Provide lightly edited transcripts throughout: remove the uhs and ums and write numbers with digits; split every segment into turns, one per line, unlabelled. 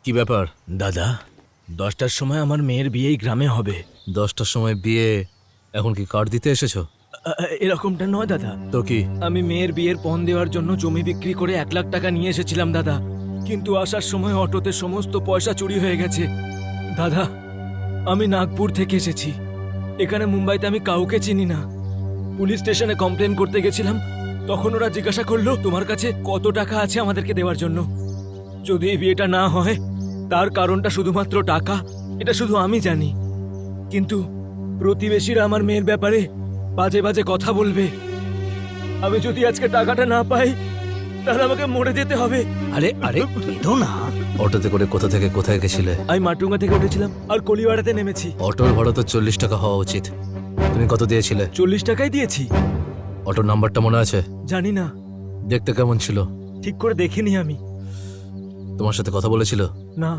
কি ব্যাপার?
দাদা 10টার সময় আমার মেয়ের বিয়ে এই গ্রামে হবে।
10টার সময় বিয়ে, এখন কি কার্ড দিতে এসেছো?
এরকমটা নয় দাদা।
তো কি?
আমি মেয়ের বিয়ের পণ দেওয়ার জন্য জমি বিক্রি করে 1 লাখ টাকা নিয়ে এসেছিলাম দাদা, কিন্তু আসার সময় অটোতে সমস্ত পয়সা চুরি হয়ে গেছে। দাদা আমি নাগপুর থেকে এসেছি, এখানে মুম্বাইতে আমি কাউকে চিনি না। পুলিশ স্টেশনে কমপ্লেন করতে গেছিলাম, তখন ওরা জিজ্ঞাসা করলো তোমার কাছে কত টাকা আছে আমাদেরকে দেওয়ার জন্য। যদি এই বিয়েটা না হয় তার কারণটা শুধুমাত্র টাকা, এটা শুধু আমি জানি। কিন্তু প্রতিবেশীরা আমার মেয়ের ব্যাপারে বাজে বাজে কথা বলবে। আমি যদি আজকে টাকাটা না পাই তাহলে আমাকে মরে যেতে হবে।
আরে আরে কেঁদো না।
অটোতে করে কোথা থেকে কোথায় গেছিলে?
আমি মাটুঙ্গা থেকে উঠেছিলাম আর কলিওয়াড়াতে নেমেছি।
অটোর ভাড়া তো 40 টাকা হওয়া উচিত। তুমি কত দিয়েছিলে?
40 টাকাই দিয়েছি।
অটোর নাম্বারটা মনে আছে?
জানি না,
দেখতে কেমন ছিল?
ঠিক করে দেখিনি আমি।
তোমার সাথে কথা বলেছিল?
না।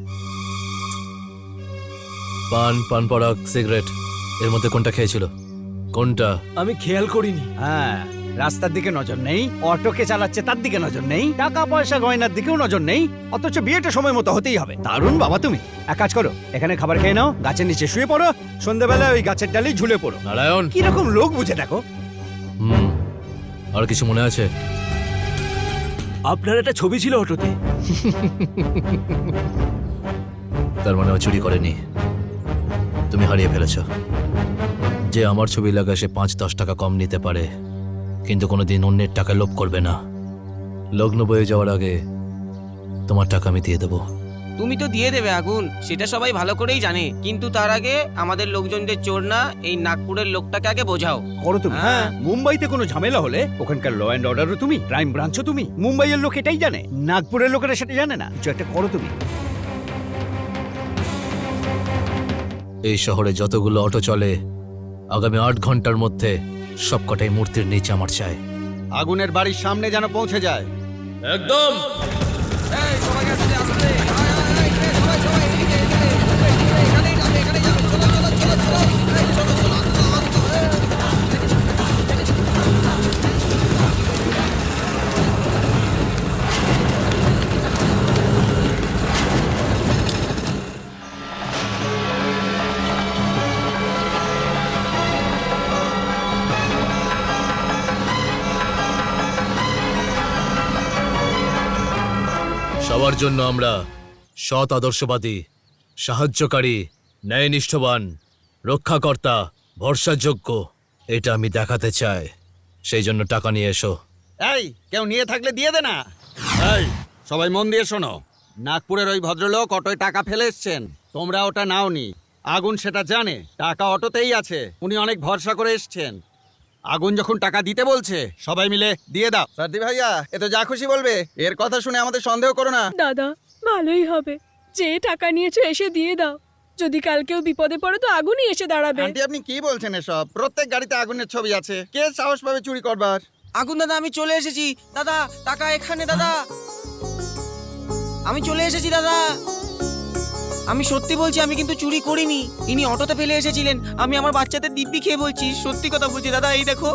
পান পরাগ, সিগারেট, এর মধ্যে কোনটা খেয়েছিল? কোনটা?
আমি খেয়াল করিনি।
হ্যাঁ, রাস্তার দিকে নজর নেই, অটোকে চালাচ্ছে তার দিকে নজর নেই, টাকা পয়সা গয়নার দিকেও নজর নেই, অথচ বিয়েটা সময় মতো হতেই হবে। দারুণ বাবা তুমি। এক কাজ করো, এখানে খাবার খেয়ে নাও, গাছের নিচে শুয়ে পড়ো, সন্ধ্যাবেলায় ওই গাছের ডালেই ঝুলে পড়ো।
নারায়ণ।
কিরকম লোক বুঝে দেখো।
আর কিছু মনে আছে?
আপনার একটা ছবি ছিল অটোতে।
তার মানে ও চুরি করেনি, তুমি হারিয়ে ফেলেছ। যে আমার ছবি লাগা সে 5-10 টাকা কম নিতে পারে, কিন্তু কোনোদিন অন্যের টাকা লোভ করবে না। লগ্ন বয়ে যাওয়ার আগে তোমার টাকা আমি দিয়ে দেবো।
তুমি তো দিয়ে দেবে আগুন, সেটা সবাই ভালো করেই জানে, কিন্তু তার আগে আমাদের লোকজনদের চোর না এই নাগপুরের লোকটাকে আগে বোঝাও।
করো তুমি।
হ্যাঁ।
মুম্বাইতে কোনো ঝামেলা হলে ওখানকার ল অ্যান্ড অর্ডারও তুমি, ক্রাইম ব্রাঞ্চও তুমি। মুম্বাইয়ের লোক এটাই জানে, নাগপুরের লোকেরা সেটা জানে না। কিছু একটা করো তুমি।
এই শহরে যতগুলো অটো চলে আগামী 8 ঘন্টার মধ্যে সবকটাই মূর্তির নিচে আমার চাই।
আগুনের বাড়ির সামনে যেন পৌঁছে যায়।
একদম। সবার জন্য আমরা সৎ, আদর্শবাদী, সাহায্যকারী, ন্যায়নিষ্ঠবান, রক্ষাকর্তা, ভরসাযোগ্য, এটা আমি দেখাতে চাই। সেই জন্য টাকা নিয়ে এসো।
এই কেউ নিয়ে থাকলে দিয়ে দে না। এই সবাই মন দিয়ে শোনো, নাগপুরের ওই ভদ্রলোক অটোয় টাকা ফেলে এসছেন, তোমরা ওটা নাওনি। আগুন সেটা জানে, টাকা অটোতেই আছে, উনি অনেক ভরসা করে এসছেন। আগুন যখন টাকা দিতে বলছে সবাই মিলে দিয়ে দাও। সারদি ভাইয়া এ তো যা খুশি বলবে, এর কথা শুনে আমাদের সন্দেহ করো না।
দাদা ভালোই হবে, যে টাকা নিয়েছো এসে দিয়ে দাও। যদি কাল কেউ বিপদে পড়ে তো আগুনই এসে দাঁড়াবে।
আন্টি আপনি কি বলছেন এসব? প্রত্যেক গাড়িতে আগুনের ছবি আছে, কে সাহস পাবে চুরি করবার?
আগুন দাদা আমি চলে এসেছি। দাদা টাকা এখানে দাদা, আমি চলে এসেছি দাদা। আমি সত্যি বলছি, আমি কিন্তু চুরি করিনি। ইনি অটোতে ফেলে এসেছিলেন। আমি আমার বাচ্চাদের দিব্যি খেয়ে বলছি, সত্যি কথা বলছি দাদা। এই দেখো।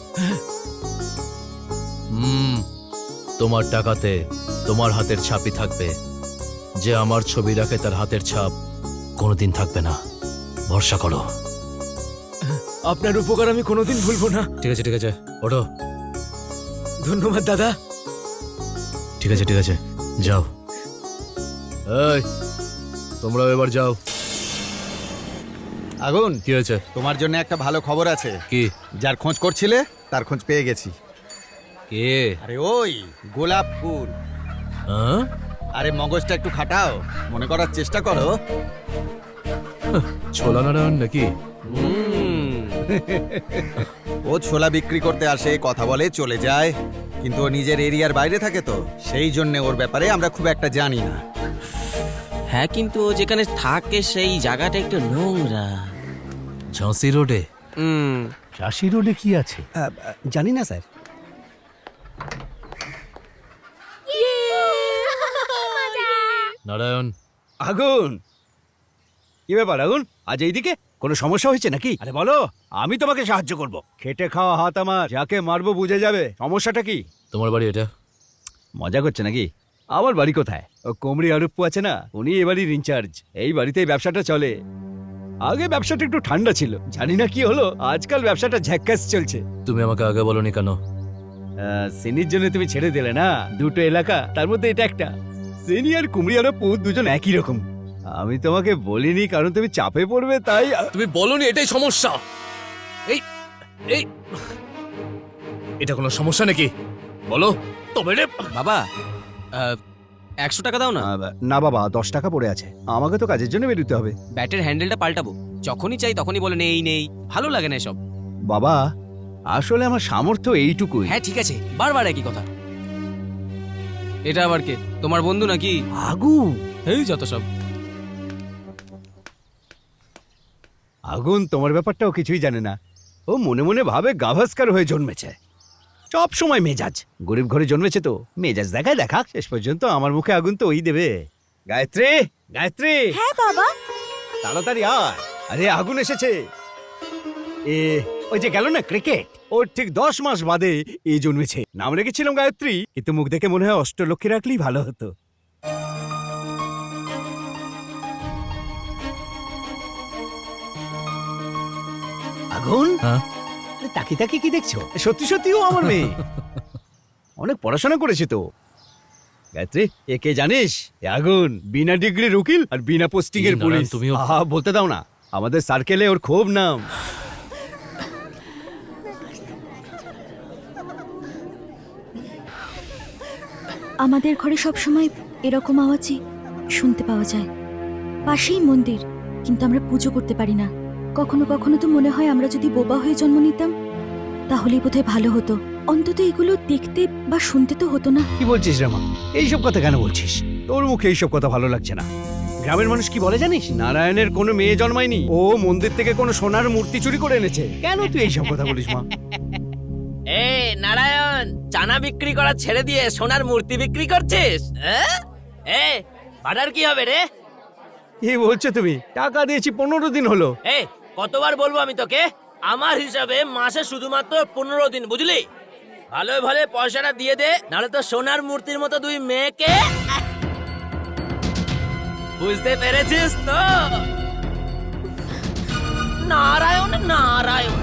তোমার টাকাতে তোমার হাতের ছাপই থাকবে। যে আমার ছবি রাখে তার হাতের ছাপ কোনোদিন থাকবে না, ভরসা করো।
আপনার উপকার আমি কোনোদিন ভুলবো না।
ঠিক আছে, ঠিক আছে, ওঠো।
ধন্যবাদ দাদা।
ঠিক আছে, ঠিক আছে, যাও। এই তোমরাও এবার যাও।
আগুন
কি হয়েছে?
তোমার জন্য একটা ভালো খবর আছে।
কি?
যার খোঁজ করছিলে তার খোঁজ পেয়ে গেছি।
কে?
আরে ওই গোলাপ ফুল।
হ্যাঁ?
আরে মগজটা একটু খাটাও, মনে করার চেষ্টা করো।
ছোলা নারায়ণ নাকি?
ও ছোলা বিক্রি করতে আসে, কথা বলে চলে যায়, কিন্তু ও নিজের এরিয়ার বাইরে থাকে, তো সেই জন্য ওর ব্যাপারে আমরা খুব একটা জানি না।
হ্যাঁ, কিন্তু ও যেখানে থাকে সেই জায়গাটা একটু নোংরা।
ঝাঁসি রোডে?
চাষি রোডে কি আছে?
জানি না স্যার।
নারায়ণ।
আগুন কি ব্যাপার আগুন, আজ এইদিকে? কোনো সমস্যা হয়েছে নাকি? আরে বলো, আমি তোমাকে সাহায্য করব। খেটে খাওয়া হাত আমার, যাকে মারবো বুঝে যাবে। সমস্যাটা কি?
তোমার বাড়ি এটা?
মজা করছে নাকি?
আমার বাড়ি কোথায়? ও কোমরি আরুপ্পু আছে না, উনি এ বাড়ির ইনচার্জ। এই বাড়িতেই ব্যবসাটা চলে। আগে ব্যবসাটা একটু ঠান্ডা ছিল, জানি না কি হলো, আজকাল ব্যবসাটা ঝ্যাক্কাস চলছে।
তুমি আমাকে আগে বলনি কেন?
সিনির জন্য তুমি ছেড়ে দিলে না, দুটো এলাকা, তার মধ্যে এটা একটা। সিনি আর কুমড়ি আরুপ্পু দুজন একই রকম। আমি তোমাকে বলিনি কারণ তুমি চাপে পড়বে, তাই
তুমি বলনি, এটাই সমস্যা। এই এই এটা কোনো সমস্যা নাকি বলো তবে রে।
বাবা 100 টাকা দাও না।
না বাবা, 10 টাকা পড়ে আছে, আমাকে তো কাজের জন্য বেরোতে হবে।
ব্যাটের হ্যান্ডেলটা পাল্টাবো, যখনই চাই তখনই বলে নেই নেই, ভালো লাগে না এসব।
বাবা আসলে আমার সামর্থ্য এইটুকুই।
হ্যাঁ ঠিক আছে, বারবার একই কথা। এটা আবার কে, তোমার বন্ধু নাকি?
আগু,
এই যত সব।
আগুন তোমার ব্যাপারটাও কিছুই জানে না। ও মনে মনে ভাবে গাভাস্কার হয়ে জন্মেছে, সব সময় মেজাজ। গরিব ঘরে জন্মেছে তো মেজাজ দেখায় দেখাক, শেষ পর্যন্ত আমার মুখে আগুন তো ওই দেবে। গায়ত্রী, গায়ত্রী,
হ্যাঁ বাবা।
তাড়াতাড়ি আয়। আরে আগুন এসেছে। ওই যে গেল না ক্রিকেট, ওর ঠিক 10 মাস বাদে এই জন্মেছে। নাম রেখেছিলাম গায়ত্রী, কিন্তু মুখ দেখে মনে হয় অষ্টলক্ষ্মী রাখলেই ভালো হতো। আগুন,
হ্যাঁ?
আরে তাকিয়ে তাকিয়ে কি দেখছো? সত্যি সত্যি ও আমার মেয়ে, অনেক পড়াশোনা করেছে তো। গায়ত্রী, একে জানিস? এ আগুন বিনা ডিগ্রির উকিল আর বিনা পোস্টিং এর
এই নারায়ণ,
পুলিশ।
তুমিও-
আহা, বলতে দাও না, আমাদের সার্কেলে ওর খুব নাম।
আমাদের ঘরে সব সময় এরকম আওয়াজই শুনতে পাওয়া যায়। পাশেই মন্দির, কিন্তু আমরা পুজো করতে পারি না। কখনো কখনো তো মনে হয় আমরা যদি বোবা হয়ে জন্ম নিতাম তাহলেই বোধহয় ভালো হতো। অন্তত এগুলো দেখতে বা শুনতে তো হতো না।
কি বলছিস রামা? এইসব কথা কেন বলছিস? তোর মুখে এইসব কথা ভালো লাগছে না। গ্রামের মানুষ কি বলে জানিস? নারায়ণের কোনো মেয়ে জন্মায়নি, ও মন্দির থেকে কোনো সোনার মূর্তি চুরি করে এনেছে। কেন তুই এইসব কথা বলিস মা?
এ নারায়ণ, চানা বিক্রি করা ছেড়ে দিয়ে সোনার মূর্তি বিক্রি করছিস? এ ভাড়ার কি হবে রে?
কি বলছো তুমি? টাকা দিয়েছি, 15 দিন হলো।
এ কতবার বলবো আমি তোকে, আমার হিসাবে মাসে শুধুমাত্র 15 দিন, বুঝলি? ভালো ভালো পয়সাটা দিয়ে দে, নাহলে তো সোনার মূর্তির মতো দুই মেয়েকে। বুঝতে পেরেছিস তো? নারায়ণ নারায়ণ,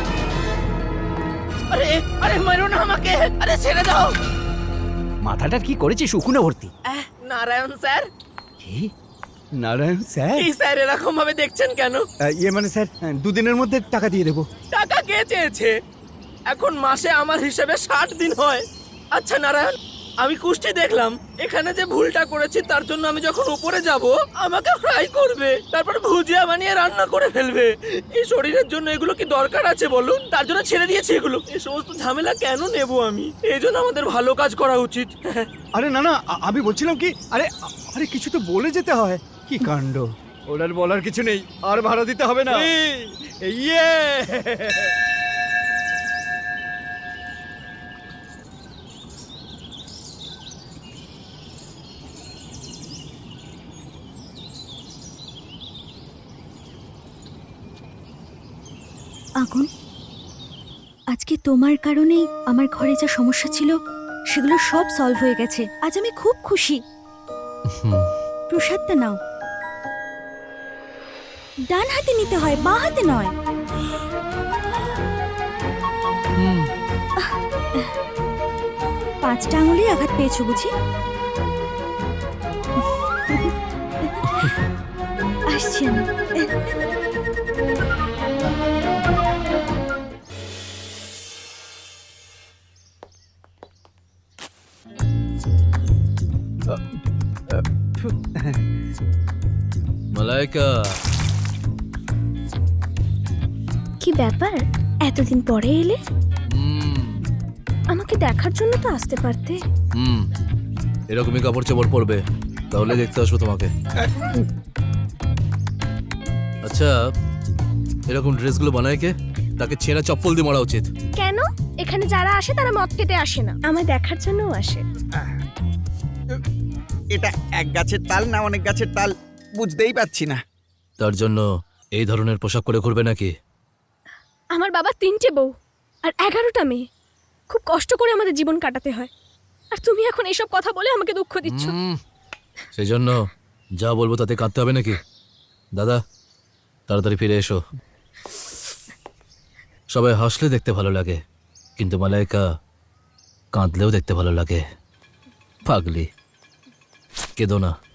আরে আরে মারো না আমাকে, আরে ছেড়ে দাও।
মাথাটা কি করেছিস? উকুনে ভর্তি।
নারায়ণ স্যার।
কি? নারায়ণ স্যার?
এই স্যার এরকম ভাবে দেখছেন কেন?
ইয়ে মানে স্যার, 2 দিনের মধ্যে টাকা দিয়ে দেবো।
টাকা কে চেয়েছে? এখন মাসে আমার হিসেবে 60 দিন হয়। আচ্ছা নারায়ণ, আমি কুষ্টি দেখলাম, এখানে যে ভুলটা করেছি তার জন্য আমি যখন উপরে যাব আমাকে ফ্রাই করবে, তারপর ভুজিয়া বানিয়ে রান্না করে ফেলবে। এই শরীরের জন্য এগুলো কি দরকার আছে বলুন? তার জন্য ছেড়ে দিয়েছি এগুলো। এই সমস্ত ঝামেলা কেন নেব আমি? এই জন্য আমাদের ভালো কাজ করা উচিত।
আরে না না, আমি বলছিলাম কি, আরে আরে কিছু তো বলে যেতে হয়। কি কাণ্ড! ওনার বলার কিছু নেই, আর ভাড়া দিতে হবে না। ইয়ে!
আগুন, আজকে তোমার কারণেই আমার ঘরে যা সমস্যা ছিল সেগুলো সব সলভ হয়ে গেছে। আজ আমি খুব খুশি। প্রসাদটা নাও। ডান হাতে নিতে হয়, বাঁ হাতে নয়। পাঁচটা আঙুলে আঘাত পেয়েছো বুঝি? আসছি আমি।
মালাইকা,
কি ব্যাপার, এতদিন পরে এলে? আমাকে দেখার জন্য তো আসতে পারতে।
এরকমই কাপড় চোপড় পরবে, তাহলে দেখতে আসবো তোমাকে। আচ্ছা, এরকম ড্রেসগুলো বানায় কে? তাকে ছেঁড়া চপ্পল দিয়ে মারা উচিত।
কেন? এখানে যারা আসে তারা মদ খেতে আসে না, আমায় দেখার জন্যও আসে।
এটা এক গাছের তাল না অনেক গাছের তাল বুঝতেই পারছি না।
তার জন্য এই ধরনের পোশাক পরে ঘুরবে নাকি?
আমার বাবা 3টে বউ আর 11টা মেয়ে, খুব কষ্ট করে আমাদের জীবন কাটাতে হয়। আর তুমি এখন এইসব কথা বলে আমাকে দুঃখ দিচ্ছ।
সেই জন্য যা বলবো তাতে কাঁদতে হবে নাকি? দাদা, তাড়াতাড়ি ফিরে এসো। সবাই হাসলে দেখতে ভালো লাগে, কিন্তু মালাইকা কাঁদলেও দেখতে ভালো লাগে। পাগলি, কেঁদো না।